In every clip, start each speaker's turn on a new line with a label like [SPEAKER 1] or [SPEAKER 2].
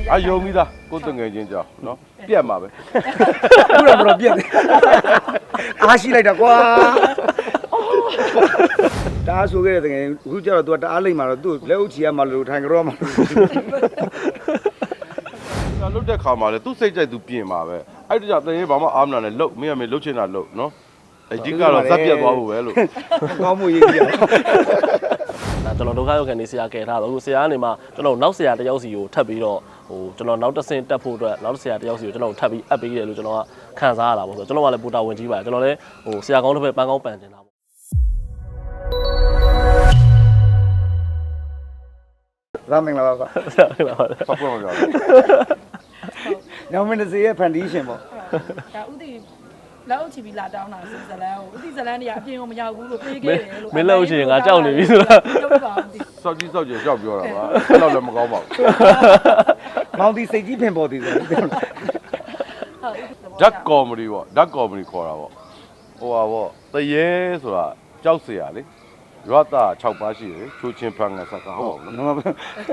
[SPEAKER 1] အယုံပြီးသားကိုယ်တငယ်ချင်းကြောင်းနော်ပြက်မှာပဲ
[SPEAKER 2] ခုတော့ပြက်တယ်အားရှိလိုက်တာကွာတအားဆိုခဲ့တဲ့တကယ်အခုကျတော့ तू တအားလိမ့်မှာတော့ तू လက်အုပ်ချီရမှာလို့ထိုင်ကြောမှာ
[SPEAKER 1] လုတ်တဲ့ခါမှာလေသူ့စိတ်ကြိုက်သူပြင်မှာပဲအဲ့တကြတရင်ဘာမှအားမနာနဲ့လုတ်မင်းကမင်းလုတ်ချင်တာလုတ်နော်အကြီးကတော့ဇက်ပြက်သွားဖို့ပဲလို့
[SPEAKER 2] ကောင်းမှုရေးကြည့်
[SPEAKER 3] ကျွန်တော်ဒုက္ခရောက်ခံနေဆရာကယ်ထားတော့ဆရာကနေမှကျွန်တော်နောက်ဆရာတယောက်စီကိုထပ်ပြီးတော့ကျွန်တော်နောက်တစ်ဆင့်တက်ဖို့အတွက်နောက်ဆရာတယောက်စီကိုကျွန်တော်ထပ်ပြီးအပ်ပေးတယ်လို့ကျွန်တော်ကခံစားရတာပေါ့ဆိုတော့ကျွန်တော်ကလည်းပူတာဝင်ကြီးပါတယ်ကျွန်တော်လည်းဆရာကောင်းတစ်ဖက်ပန်းကောင်းပန်တင်တာပေါ့
[SPEAKER 2] ရမင်္ဂလာပါကွာ
[SPEAKER 1] ဆောက်ပွင့်ပါကြ
[SPEAKER 2] ညောင်မင်းစီရဲ့ foundation ပေါ့
[SPEAKER 4] ဒါဥတီလောက်ချီပြီးလာတောင်းတာစီဇလန်ကိုဥတီဇလန်တွေကအပြင်ကိုမရောက်ဘူးလို့ပြေးခဲ့တယ်လို့
[SPEAKER 3] မင်းလောက်ချင်ငါကြောက်နေပြီဆိုတာ
[SPEAKER 1] စောက်ကြီးစောက်ကြီးကြောက်ပြောတာပါအဲ့တော့လည်းမကောင်းပါဘူး
[SPEAKER 2] မောင်တီစိတ်ကြီးဖင်ပေါ်သေးတယ်
[SPEAKER 1] ဓာတ်ကောမဒီပေါ့ဓာတ်ကောမဒီခေါ်တာပေါ့ဟိုပါပေါ့တရေဆိုတာကြောက်เสียလေရွာသား6ပါးရှိတယ်ချိုးချင်းဖန်ငါစကားဟုတ်ပါဘူး
[SPEAKER 2] နော်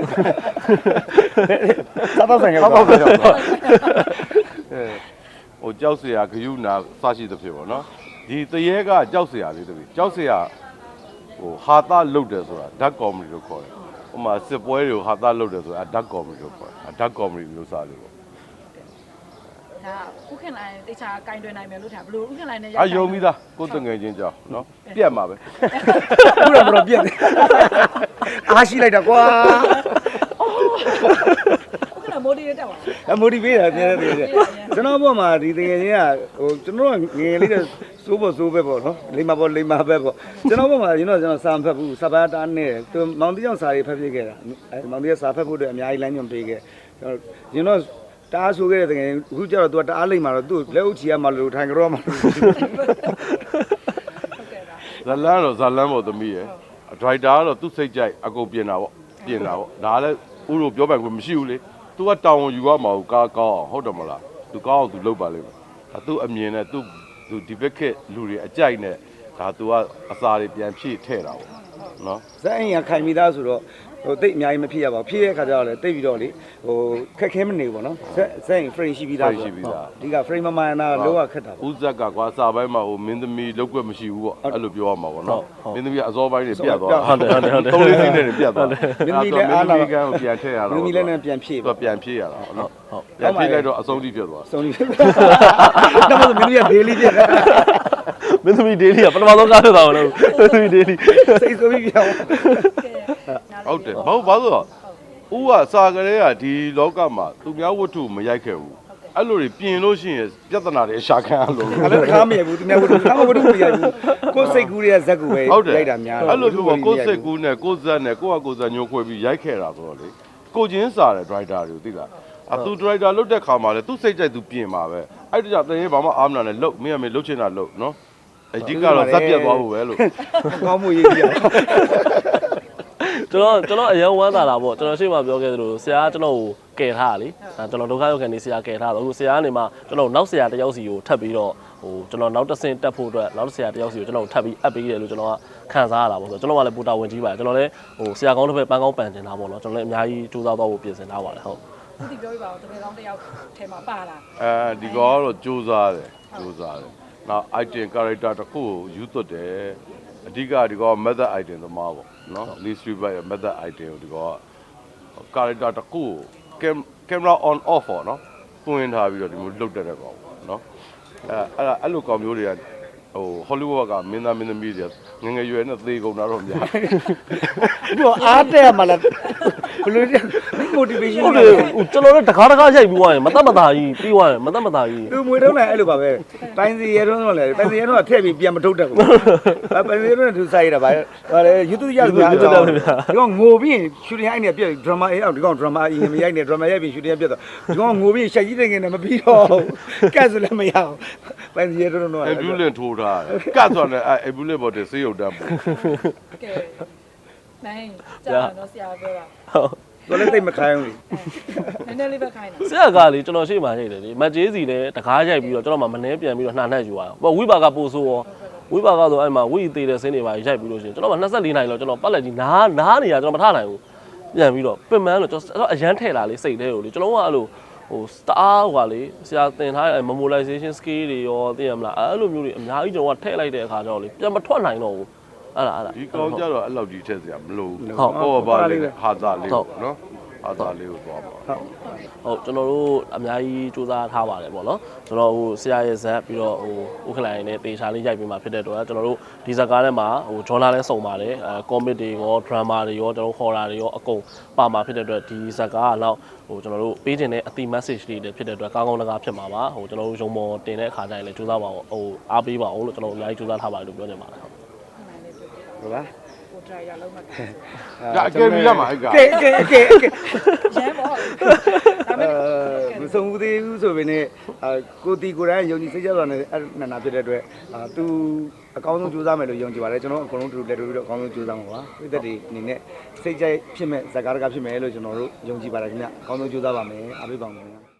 [SPEAKER 2] သာတော့ဆိုင်ရပါ
[SPEAKER 1] ဟိုကြောက်เสียဂယုနာစရှိသဖြစ်ပေါ့နော်ဒီတရေကကြောက်เสียလေးတပည့်ကြောက်เสียဟိုဟာသားလုတ်တယ်ဆိုတာဓာတ်ကောမဒီလို့ခေါ်တယ်ဟိုမှာစစ်ပွဲတွေကိုဟာသားလုတ်တယ်ဆိုတာဓာတ်ကောမဒီလို့ခေါ်တယ်ဓာတ်ကောမဒီလို့စားလို့ပေါ့
[SPEAKER 4] ဒါဥခင်လိုင်းတခြားကင်တွင်နိုင်မယ်လို့ထားဘလို့ဥခင်လိုင်းနဲ့
[SPEAKER 1] အယုံပြီးသားကိုယ်တငယ်ချင်းကြောင်းနော်ပြက်မှာပဲ
[SPEAKER 2] ခုတော့ပြက်တယ်အားရှိလိုက်တာကွာ
[SPEAKER 4] ဥခင်မိုဒီရတက်ပါ
[SPEAKER 2] မိုဒီပေးတာပြည့်တယ်ကျွန်တော်ဘောမှာဒီတကယ်ချင်းကဟိုကျွန်တော်ငယ်လေးတဲ့စိုးဖို့စိုးပဲပေါ့နော်လိမ္မာပေါ့လိမ္မာပဲပေါ့ကျွန်တော်ဘောမှာကျွန်တော်စာမဖတ်ဘူးစာပါတားနဲ့သူမောင်တီကြောင့်စာရေးဖတ်ပြခဲ့တာမောင်တီကစာဖတ်ဖို့အတွက်အများကြီးလမ်းညွှန်ပေးခဲ့ကျွန်တော်တအားဆိုခဲ့တဲ့တကယ်အခုကျတော့ तू တအားလိမ့်မှာတော့ तू လက်အုပ်ချီရမှာလို့ထိုင်ကြောမှာ
[SPEAKER 1] ဇလန်းတော့ဇလန်းပေါ့သမီးရယ်ဒရိုက်တာကတော့သူ့စိတ်ကြိုက်အကုန်ပြင်တာပေါ့ဒါလည်းဥရောပြောပိုင်ခွင့်မရှိဘူးလေ तू ကတောင်းဝန်ယူရမှာကိုကားကောင်းအောင်ဟုတ်တယ်မလား तू ကောင်းအောင် तू လုပ်ပါလိမ့်မယ်ဒါ तू အမြင်နဲ့ तू ဒီဘက်ခက်လူတွေအကြိုက်နဲ့ဒါ तू ကအစာတွေပြန်ဖြည့်ထည့်တာပေါ့နော်
[SPEAKER 2] ဇက်အိမ်ကခိုင်မိသားဆိုတော့ဟိုတိတ်အများကြီးမဖြစ်ရပါဘူးဖြစ်ရခါကျတော့လေတိတ်ပြီးတော့လေဟိုခက်ခဲမနေဘူးပေါ့နော်ဇက်အိမ် frame ရှိပြီးသားဒီက frame မမှန်တာလောကခက်တာ
[SPEAKER 1] ပေါ့ဦးဇက်ကကွာစာပိုင်းမှာဟိုမင်းသမီးလောက်ွက်မရှိဘူးပေါ့အဲ့လိုပြောရမှာပေါ့နော်မင်းသမီးအစောပိုင်းတွေပြတ်သွား
[SPEAKER 3] ဟုတ်တယ်
[SPEAKER 1] သုံးလေးစီးနဲ့ပြတ်သွား
[SPEAKER 2] မင်းသမီးလည်းအားလာ
[SPEAKER 1] ကန်ကိုပြန်ထည့်ရတော့
[SPEAKER 2] မင်းသမီးလည်းပြန်ဖြည့်
[SPEAKER 1] ပေါ့ပြန်ဖြည့်ရတာပေါ့နော်ပြန်ဖြည့်လိုက်တော့အဆုံးထိပြတ်သွား
[SPEAKER 2] အဆုံးထိတော့မင်းသမီးက daily ပြတ်
[SPEAKER 3] မင်းသမီး daily ကပထမဆုံးကားထွက်တာလို့မင်းသမီး daily
[SPEAKER 2] စိတ်ဆိုးပြီးပြောင်း
[SPEAKER 1] ဟုတ်တယ်ဘာလို့ဆိုတော့ဦးကစာကလေးကဒီလောကမှာသူများဝတ္ထုမရိုက်ခဲ့ဘူးအဲ့လိုတွေပြင်လို့ရှိရင်ပြဿနာတွေအရှာခံရလို့
[SPEAKER 2] အဲ့လိုတခါမရဘူးသူများဝတ္ထုမရိုက်ဘူးကိုယ်စိတ်ကူးရဲ့ဇက်ကူပဲရိုက်တာများ
[SPEAKER 1] အဲ့လိုမျိုးကိုယ်စိတ်ကူးနဲ့ကိုယ်ဇက်နဲ့ကိုယ့်ဟာကိုယ်ဇက်ညှို့ခွဲပြီးရိုက်ခဲ့တာဆိုတော့လေကိုချင်းစားတဲ့ဒရိုက်တာတွေကိုသိလားသူဒရိုက်တာလုတ်တဲ့ခါမှာလေသူ့စိတ်ကြိုက်သူပြင်မှာပဲအဲ့တကြတရင်ဘာမှအားမနာနဲ့လုတ်မင်းကမင်းလုတ်ချင်တာလုတ်နော်အကြီးကတော့ဇက်ပြက်သွားဖို့ပဲလို့
[SPEAKER 2] ကောင်းမှုရေးကြည့်
[SPEAKER 3] ကျွန်တော်အရင်ဝမ်းသာတာပေါ့ကျွန်တော်ရှေ့မှာပြောခဲ့သလိုဆရာကကျွန်တော်ကိုကယ်ထားတာလေကျွန်တော်ဒုက္ခရောက်ခံနေဆရာကယ်ထားတော့အခုဆရာကနေမှကျွန်တော်နောက်ဆရာတယောက်စီကိုထပ်ပြီးတော့ကျွန်တော်နောက်တစ်ဆင့်တက်ဖို့အတွက်နောက်ဆရာတယောက်စီကိုကျွန်တော်ထပ်ပြီးအပ်ပေးတယ်လို့ကျွန်တော်ကခံစားရတာပေါ့ဆိုတော့ကျွန်တော်ကလည်းပူတာဝင်ကြီးပါတယ်ကျွန်တော်လည်းဆရာကောင်းတစ်ဖက်ပန်းကောင်းပန်တင်တာပေါ့နော်ကျွန်တော်လည်းအများကြီးစူးစမ်းတော့ဖို့ပြင်ဆင်ထားပါတယ်ဟုတ်
[SPEAKER 4] ဒီပြောပြပါဦးတကယ်ကောင်းတယောက်ထဲမှာပါလာ
[SPEAKER 1] ဒီကောတော့စူးစမ်းတယ်နောက် item character တစ်ခုကိုယူသွတ်တယ်အဓိကဒီကော method item သမားပေါ့နော် list by method item ကိုဒီကော character တစ်ခုကို camera on off ပေါ့နော်ပွင့်ထားပြီးတော့ဒီလိုလုတ်တက်တဲ့ကောင်ပေါ့နော်အဲ့လိုကောင်မျိုးတွေကဟို Hollywood ကမင်းသားမင်းသမီးတွေငငယ်ရွယ်နဲ့သေကုန်တာတော့များ
[SPEAKER 2] ဘူးအားတဲ့မှာလားဘယ်လိုလဲ motivation
[SPEAKER 3] ဟုတ်တယ်ကျွန်တော်လည်းတကားရိုက်ပြီးသွားရင်မတတ်မသားကြီးပြီးသွားရင်မတတ်မသားကြီး
[SPEAKER 2] သူမွေတုံးလည်းအဲ့လိုပါပဲတိုင်းစီရဲတုံးတော့လည်းတိုင်းစီရဲတုံးကထည့်ပြီးပြန်မထုတ်တတ်ဘူးပိုင်းစီရဲတုံးကသူစားရတာပါလေ YouTube ရပြီဒီကောင်ငိုပြီး shooting အိုက်နေပြက် drama အေးအောင်ဒီကောင် drama အေးမရိုက်နဲ့ drama ရိုက်ပြီး shooting ပြက်တော့ဒီကောင်ငိုပြီးရှက်ကြီးတဲ့ငယ်နဲ့မပြီးတော့ကတ်ဆိုလည်းမရအောင်ပိုင်းစီရဲတုံးတော့
[SPEAKER 1] ambulance ထိုးထားကတ်ဆိုလည်းambulance ပေါ်တဲ့ဆေးရုံတန်းပေါ့
[SPEAKER 4] ကဲနိုင်ကြာတော့ဆရာပြောတာ
[SPEAKER 2] တော်လည်းသိမခိုင်းဘူး
[SPEAKER 4] နည်းနည်းလေးပဲခိုင်းတာ
[SPEAKER 3] ဆရာကလေကျွန်တော်ရှေ့မှာရိုက်တယ်လေမတ်ကျေးစီနဲ့တကားရိုက်ပြီးတော့ကျွန်တော်မှမနှဲပြန်ပြီးတော့နှာနှက်ယူသွားတော့ဝိပါကပို့ဆိုးရောဝိပါကဆိုအဲ့မှာဝိသေးတဲ့ဆင်းတွေပါရိုက်ပြီးလို့ရှိရင်ကျွန်တော်မှ24နိုင်လောက်ကျွန်တော်ပတ်လက်ကြီးနားနေရကျွန်တော်မထနိုင်ဘူးညပြန်ပြီးတော့ပင်မန်းလို့ကျွန်တော်အရန်ထဲလာလေးစိတ်ထဲကိုလေကျွန်တော်ကအဲ့လိုဟိုတအားဟိုကလေဆရာသင်ထားတဲ့ memorization skill တွေရောသိရမလားအဲ့လိုမျိုးတွေအများကြီးကျွန်တော်ကထည့်လိုက်တဲ့အခါကျတော့လေပြန်မထွက်နိုင်တော့ဘူးအဲ့ဒါ
[SPEAKER 1] ဒီကောင်ကြတော့အဲ့လောက်ကြီးထည့်စရာမလိုဘူးဟုတ်ပါလေဟာသာလေးပေါ့နော်ဟာသာလေးကိုသွားပါ
[SPEAKER 3] ဟုတ်ကျွန်တော်တို့အများကြီးစူးစမ်းထားပါတယ်ပေါ့နော်ကျွန်တော်ဟိုဆရာရဲ့ဇက်ပြီးတော့ဟိုဥက္ကလိုင်းနဲ့တေချာလေးရိုက်ပြီးမှဖြစ်တဲ့တော့ကျွန်တော်တို့ဒီဇက်ကားထဲမှာဟိုဂျော်နာလည်းစုံပါတယ်ကောမစ်တွေရောဒရမာတွေရောကျွန်တော်ဟော်ရာတွေရောအကုန်ပါမှာဖြစ်တဲ့အတွက်ဒီဇက်ကားကတော့ဟိုကျွန်တော်တို့ပေးခြင်းတဲ့အတိ message တွေလည်းဖြစ်တဲ့အတွက်ကောင်းကောင်းတကားဖြစ်မှာပါဟိုကျွန်တော်တို့ရုံမော်တင်တဲ့အခါကျရင်လည်းစူးစမ်းပါအောင်ဟိုအားပေးပါအောင်လို့ကျွန်တော်အများကြီးစူးစမ်းထားပါတယ်လို့ပြောချင်ပါတယ်ဟုတ်
[SPEAKER 2] ဟုတ်လား
[SPEAKER 4] ကိုဒရိုင်ယာလုံးမှာ
[SPEAKER 1] ဒါအကယ်ပြီးရမှာအဲ့က
[SPEAKER 2] ကဲ
[SPEAKER 4] ရမ်းပေါ့ဒါပေမဲ့
[SPEAKER 2] မဆုံးဘူးသေးဘူးဆိုပေနဲ့ကိုတီကိုတိုင်းယုံကြည်စိတ်ချစွာနဲ့အဲ့နန္နာဖြစ်တဲ့အတွက်သူအကောင်းဆုံးကြိုးစားမယ်လို့ယုံကြည်ပါတယ်ကျွန်တော်အကုန်လုံးတူလက်တူပြီးတော့အကောင်းဆုံးကြိုးစားမှာပါပြည်သက်တွေအနေနဲ့စိတ်ကြိုက်ဖြစ်မဲ့ဇာကားတကားဖြစ်မယ်လို့ကျွန်တော်တို့ယုံကြည်ပါတယ်ခင်ဗျအကောင်းဆုံးကြိုးစားပါမယ်အားပေးပါမယ်ခင်ဗျ